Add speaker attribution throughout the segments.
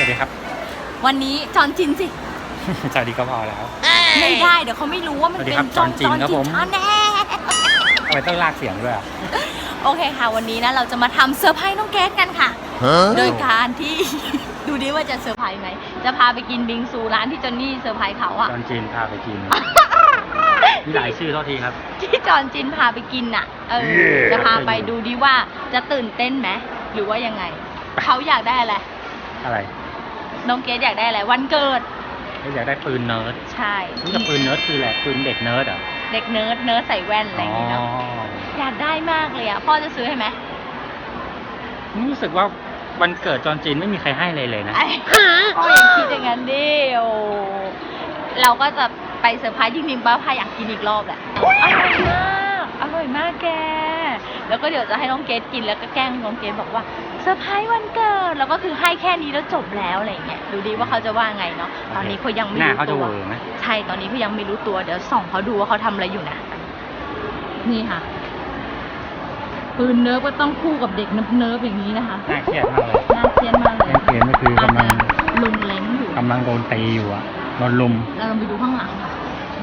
Speaker 1: วัสดีครับ
Speaker 2: วันนี้จอนจินสิ
Speaker 1: สวัสดีก็พอแล้ว
Speaker 2: ไม่ได้เดี๋ยวเขาไม่รู้ว่ามันเป็นจอนจินครับผมแน่
Speaker 1: ทำไมต้องลากเสียงด้วยอ่ะ
Speaker 2: โอเคค่ะวันนี้นะเราจะมาทำเซอร์ไพรส์น้องเกดกันค่ะ โดยการที่ ดูดิว่าจะเซอร์ไพรส์ไหมจะพาไปกินบิงซูร้านที่จอนนี่เซอร์ไพรส์เขาอะ
Speaker 1: จอนจีนพาไปกิน มีหลายชื่อเท่าทีครับ
Speaker 2: ที่จอนจินพาไปกินน่ะจะพาไปดูดิว่าจะตื่นเต้นไหมหรือว่ายังไงเขาอยากได้อะไร
Speaker 1: อะไร
Speaker 2: น้องเกดอยากได้อะไรวันเกิด
Speaker 1: เขาอยากได้ปืนเนิร์ด
Speaker 2: ใช่
Speaker 1: รู้จักปืนเนิร์ดคืออะไรปืนเด็กเนิร์ดเหรอ
Speaker 2: เด็กเนิร์ดใส่แว่นอะไรอย่างงี้เนาะอยากได้มากเลยอะพ่อจะซื้อให้ไหม
Speaker 1: รู้สึกว่าวันเกิดจอนจีนไม่มีใครให้เลยนะ
Speaker 2: พ่ออย่าคิดอย่างนั้นดิโอเราก็จะไปเซอร์ไพรส์จริงๆป้าพาอยากกินอีกรอบแหละอร่อยมากแกแล้วก็เดี๋ยวจะให้น้องเกดกินแล้วก็แกล้งน้องเกดบอกว่าเซอร์ไพรส์วันเกิดแล้วก็คือให้แค่นี้แล้วจบแล้วอะไรอย่างเงี้ยดูดีว่าเขาจะว่าไงเนาะตอนนี้เขายังไม่รู้ตัวใช่ตอนนี้เขายังไม่รู้ตัวเดี๋ยวส่องเขาดูว่าเขาทำอะไรอยู่นะนี่ค่ะปืนเนิร์ฟก็ต้องคู่กับเด็กเนิร์ฟอย่างนี้นะคะ
Speaker 1: น่าเครียดมากเลย
Speaker 2: น่าเครียดมากเลย
Speaker 1: น่าเครียดก็คือกำลัง
Speaker 2: ลุงเล้งอยู่
Speaker 1: กำลังโดนตีอยู่อ่ะโดนลุม
Speaker 2: เราลองไปดูข้างหลังค่ะ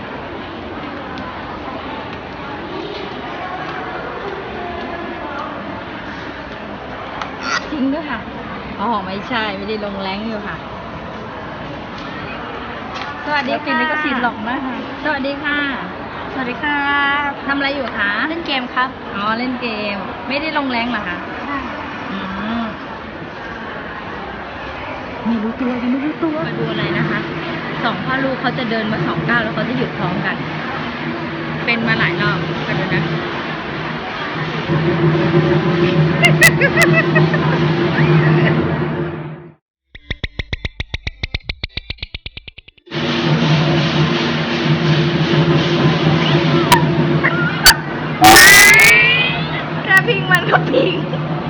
Speaker 2: จริงด้วยค่ะอ๋อไม่ใช่ไม่ได้ลงแรงอยู่ค่ะสวัสดีค่ะก็สีหลอกมากค่ะสวัสดีค่ะสวัสดีค่ะทำอะไรอยู่คะเล่นเกมครับอ๋อเล่นเกมไม่ได้ลงแรงเหรอคะใช่ไม่รู้ตัวยังไม่รู้ตัวมาดูอะไรนะคะสองพ่อลูกเขาจะเดินมา2 ก้าวแล้วเขาจะหยุดพร้อมกัน เป็นมาหลายรอบกันดูนะ แค่พิงมันก็พิง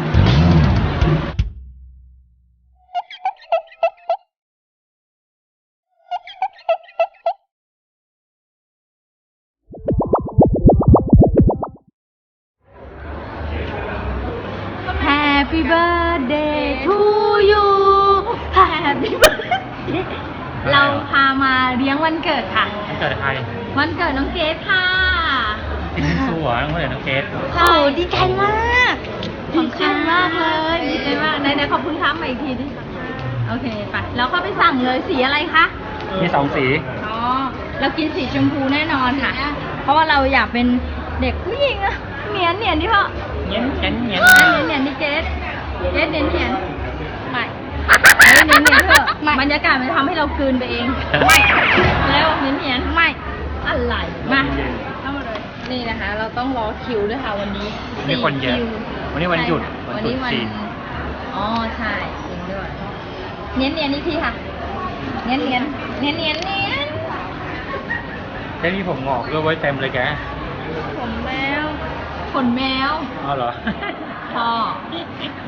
Speaker 2: Happy birthday to you Happy birthday เราพามาเลี้ยงวันเกิดค่ะ
Speaker 1: วันเกิดใคร
Speaker 2: วันเกิดน้องเกดค่ะ
Speaker 1: กินบิงซูเหรอน้องเกิดน้องเกด
Speaker 2: โอ้ดีใจมากขอบคุณมากเลยดีใจมากไหนขอบคุณครับมาอีกทีดิโอเคไปแล้วก็ไปสั่งเลยสีอะไรคะ
Speaker 1: มี2 สี
Speaker 2: อ๋อเรากินสีชมพูแน่นอนค่ะ เพราะว่าเราอยากเป็นเด็กผู้หญิงอะเนียนที่พ่อ
Speaker 1: เงี้ยเงี้ยเงี้ย
Speaker 2: เนียนนี่เกดเนียนไม่เนียนเถอะบรรยากาศมันทำให้เรากลืนไปเองไม่แล้วเนียนไม่อะไรมาเข้ามาเลยนี่นะคะ เราต้องรอคิวด้วยค่ะวันนี้
Speaker 1: มีคนเยอะ
Speaker 2: คิว
Speaker 1: วันนี้วันหยุด
Speaker 2: วันนี้วัน
Speaker 1: จีน
Speaker 2: อ๋อใช่จริงด้วยเนียนนี่ทีค่ะเนียน
Speaker 1: แค่นี้ผมงอกด้วยไว้เต็มเลยแก
Speaker 2: ขนแมว
Speaker 1: อ๋อเหรอ
Speaker 2: พ่อ